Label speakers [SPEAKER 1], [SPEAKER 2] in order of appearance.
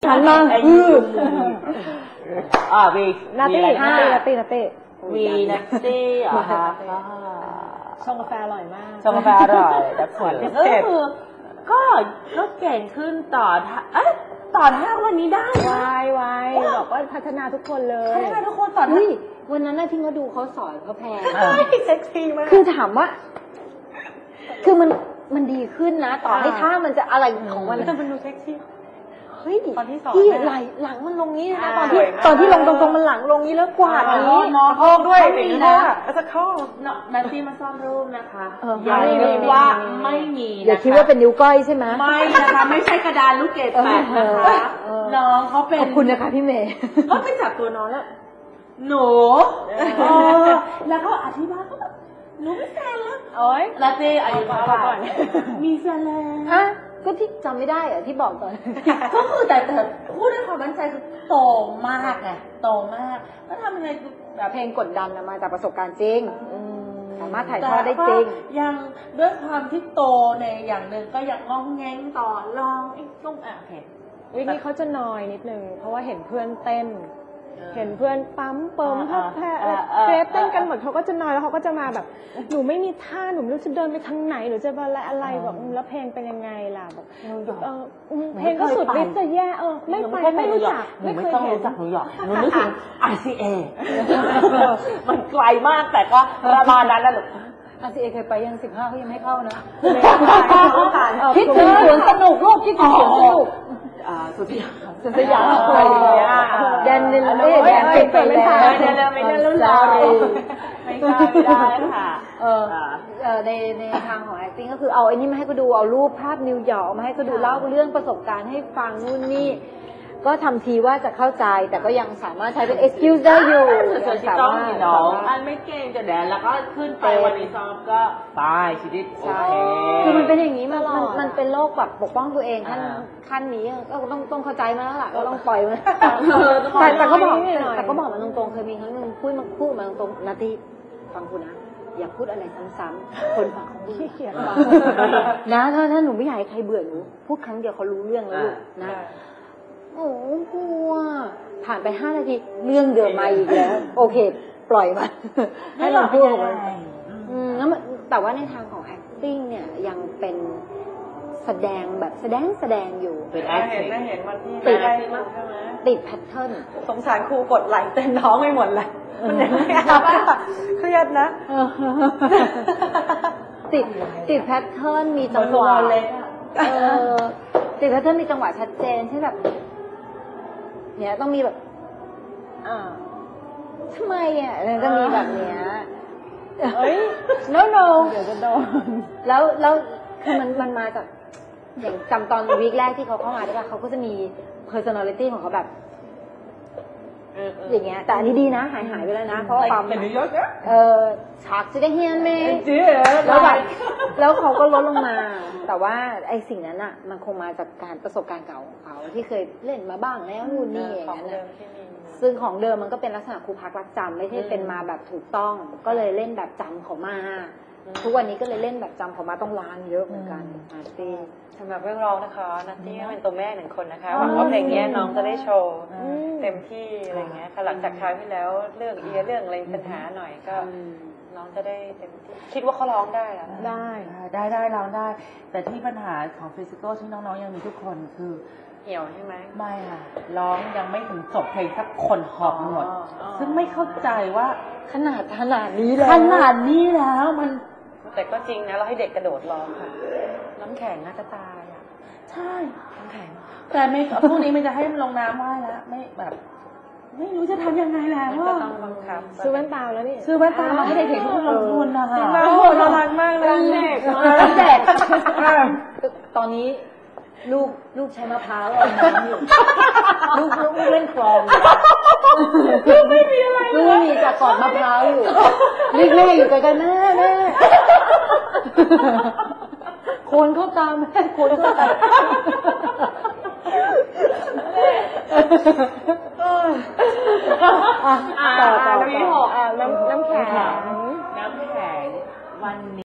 [SPEAKER 1] ฉันมา
[SPEAKER 2] วี
[SPEAKER 1] นาตี้
[SPEAKER 2] วีนัตตี้เหรอคะ
[SPEAKER 1] ชงกาแฟอร่อยมาก
[SPEAKER 2] ชงกาแฟอร่อยแต่ผลก็เก่งขึ้นต่อท่าวันนี้ได้
[SPEAKER 1] วายบอกว่าพัฒนาทุกคนเลย
[SPEAKER 2] พัฒนาทุกคนต่อ
[SPEAKER 3] วันนั้นที่เขาดูเขาสอนเขาแพง
[SPEAKER 2] เซ็กซี่มาก
[SPEAKER 3] คือถามว่าคือมันดีขึ้นนะต่อให้ท่ามันจะอะไรของมัน
[SPEAKER 2] แต่มันดูเซ็กซี่
[SPEAKER 3] เฮ้ยที่หลังมันลงนี้นะตอนที่ลงตรงๆมันหลังลงนี้แล้วกวาดนี้
[SPEAKER 2] น้องโคกด้วยมีนะสักข้อนัตตี้มาซ่อนรูปนะคะอย่าคิดว่าไม่มี
[SPEAKER 3] อย่าคิดว่าเป็นนิ้วก้อยใช่ไหม
[SPEAKER 2] ไม่นะคะไม่ใช่กระดานลูกเกดแปดนะคะน้องเขาเป็น
[SPEAKER 3] ขอบคุณนะคะพี่เมย์
[SPEAKER 2] เขาไปจับตัวน้องแล้วหนูแล้วก็อธิบายก็แบบหนูไม่แฟนแล้ว
[SPEAKER 1] โอ๊ย
[SPEAKER 2] นัตตี้อายุเท่าไหร่มีแฟนแล้ว
[SPEAKER 3] ก็ที่จำไม่ได้อะที่บอกตอน
[SPEAKER 2] ก็คือแต่พูดด้วยความมั่นใจคือโตมากไงโตมากแล้วทำยังไง
[SPEAKER 3] แบบเพลงกดดันมาจากประสบการณ์จริงสามารถถ่ายทอดได้จริง
[SPEAKER 2] ยังด้วยความที่โตในอย่างหนึ่งก็ยังงองแงงต่อลองไอ้ตุ้งโอเค
[SPEAKER 1] วิธีเขาจะนอยนิดนึงเพราะว่าเห็นเพื่อนเต้นเห็นเพื่อนปั๊มเปิมพับแพ้เกรฟเต้นกันหมดเขาก็จะนอยแล้วเขาก็จะมาแบบหนูไม่มีท่าหนูไม่รู้จะเดินไปทางไหนหรือจะอะไรแบบแล้วเพลงเป็นยังไงล่ะแบบเพลงก็สุดฤทธิ์จะแย่ไม่รู้จัก
[SPEAKER 2] ไม่ต้องรู้จักนิวยอร์กหนูนึกถึง RCA มันไกลมากแต่ก็ประมาณนั้นนะหนู
[SPEAKER 3] RCA เคยไปยัง15เขายังไม่เข้านะคิดถึงสวนสนุกลูกคิดถึงสวนสนุก
[SPEAKER 2] สุดที่
[SPEAKER 3] สยามอะไรอย่างเงี้ยแดนนิลเล่แดนเป็นไปแล้ว
[SPEAKER 2] ไม่ได้รุ่นเราไม่ได้ค่ะ
[SPEAKER 3] ในทางของ acting ก็คือเอาไอ้นี่มาให้เขาดูเอารูปภาพนิวยอร์กมาให้เขาดูเล่าเรื่องประสบการณ์ให้ฟังนู่นนี่ก็ทำทีว่าจะเข้าใจแต่ก็ยังสามารถใช้เป็น excuse ได้อยู่
[SPEAKER 2] สามารถน้องอันไม่เก่งจะแดนแล้วก็ขึ้นไปวันนี้ซ้อมก็ตายชีวิตโอเค
[SPEAKER 3] คือมันเป็นอย่างนี้มันเป็นโรคแบบปกป้องตัวเองขั้นนี้ก็ต้องเข้าใจมาแล้วล่ะก็ต้องปล่อยมันแต่ก็บอกมันตรงๆเคยมีครั้งนึงพูดมาตรงๆนาทีฟังคุณนะอย่าพูดอะไรซ้ำๆคนฟังเขาขี้เกียจฟังนะถ้าหนูไม่อยากให้ใครเบื่อหนูพูดครั้งเดียวเขารู้เรื่องแล้วนะโอ้กลัวผ่านไป5 นาทีเรื่องเดิมมาอีกแล้วโอเคปล่อยมันให้เราพูดของมันแล้วแต่ว่าในทางของ acting เนี่ยยังเป็นแสดงแบบแสดงอยู่
[SPEAKER 2] เป็น
[SPEAKER 1] acting เห็นวันที่
[SPEAKER 3] ติดแพทเทิร์น
[SPEAKER 1] สงสารครูกดไหลเต้นท้องไม่หมดเลยมันยังไม่อาบเครียดนะ
[SPEAKER 3] ติดแพทเทิร์นมีจังหวะติดแพทเทิร์นมีจังหวะชัดเจนที่แบบเนี่ยต้องมีแบบทำไมอ่ะจะมีแบบเนี้ย
[SPEAKER 1] เอ้ย no เดี๋ยวจะโดน
[SPEAKER 3] แล้วคือมันมาจากอย่างจำตอนวีคแรกที่เขาเข้ามาได้ป่ะเขาก็จะมี personality ของเขาแบบอย่างเงี้ยแต่อันนี้ดีนะหายไปแล้วนะเพราะความฉากจะได้เฮียนเมย์แล้วเขาก็ลดลงมาแต่ว่าไอ้สิ่งนั้นอ่ะมันคงมาจากการประสบการณ์เก่าของเขาที่เคยเล่นมาบ้างแล้วนู่นนี่อย่างนั้นนะซึ่งของเดิมมันก็เป็นลักษณะครูพักรักจำไม่ใช่เป็นมาแบบถูกต้องก็เลยเล่นแบบจำเขามาทุกวันนี้ก็เลยเล่นแบบจำเขามาต้องล้างเยอะเหมือนกันนัตตี้
[SPEAKER 1] สำหรับเรื่องร้องนะคะนัตตี้เป็นตัวแม่1 คนนะคะหวังว่าเพลงนี้น้องจะได้โชว์เต็มที่อะไรเงี้ยค่ะหลังจากคราวที่แล้วเรื่องเรื่องอะไรปัญหาหน่อยก็น้องจะได้เต็มที่คิดว่าเขาร้องได้หรอ
[SPEAKER 2] ได้ร้องได้แต่ที่ปัญหาของฟิสิกอลที่น้องๆยังมีทุกคนคือ
[SPEAKER 1] เหี่ยวใช่ไหม
[SPEAKER 2] ไม่ค่ะร้องยังไม่ถึงจบเพลงสักคนหอบหมดซึ่งไม่เข้าใจว่า
[SPEAKER 3] ขนาดนี้แล้วมัน
[SPEAKER 1] แต่ก็จริงนะเราให้เด็กกระโดดร้องค่ะน้ำแข็งน่าจะตายอ่ะ
[SPEAKER 2] ใช่น้ำแข็งแต่ไม่พวกนี้มันจะให้มันลงน้ำว่ายแล้วไม่แบบไม่รู้จะทำยังไงแล้ว
[SPEAKER 1] ก็ต้องบังคับซื้อแว่นตาแล้วนี่
[SPEAKER 2] ซื้อแว่นตามาให้เด็กๆทุกคนลงทุนนะคะ
[SPEAKER 1] โอ้โหน่ารักมากเลยเด็ก
[SPEAKER 3] ตอนนี้ลูกใช้มะพร้าวเอาน้ำอยู่ลูกเล่นคลอง
[SPEAKER 2] ไม่มีอะไร
[SPEAKER 3] ลูกมีจากกอดมะพร้าวอยู่แม่อยู่ไกลๆแม่โคนเข้าตามแม่โคนเข้าตาม
[SPEAKER 1] ต่อน้ำแข็ง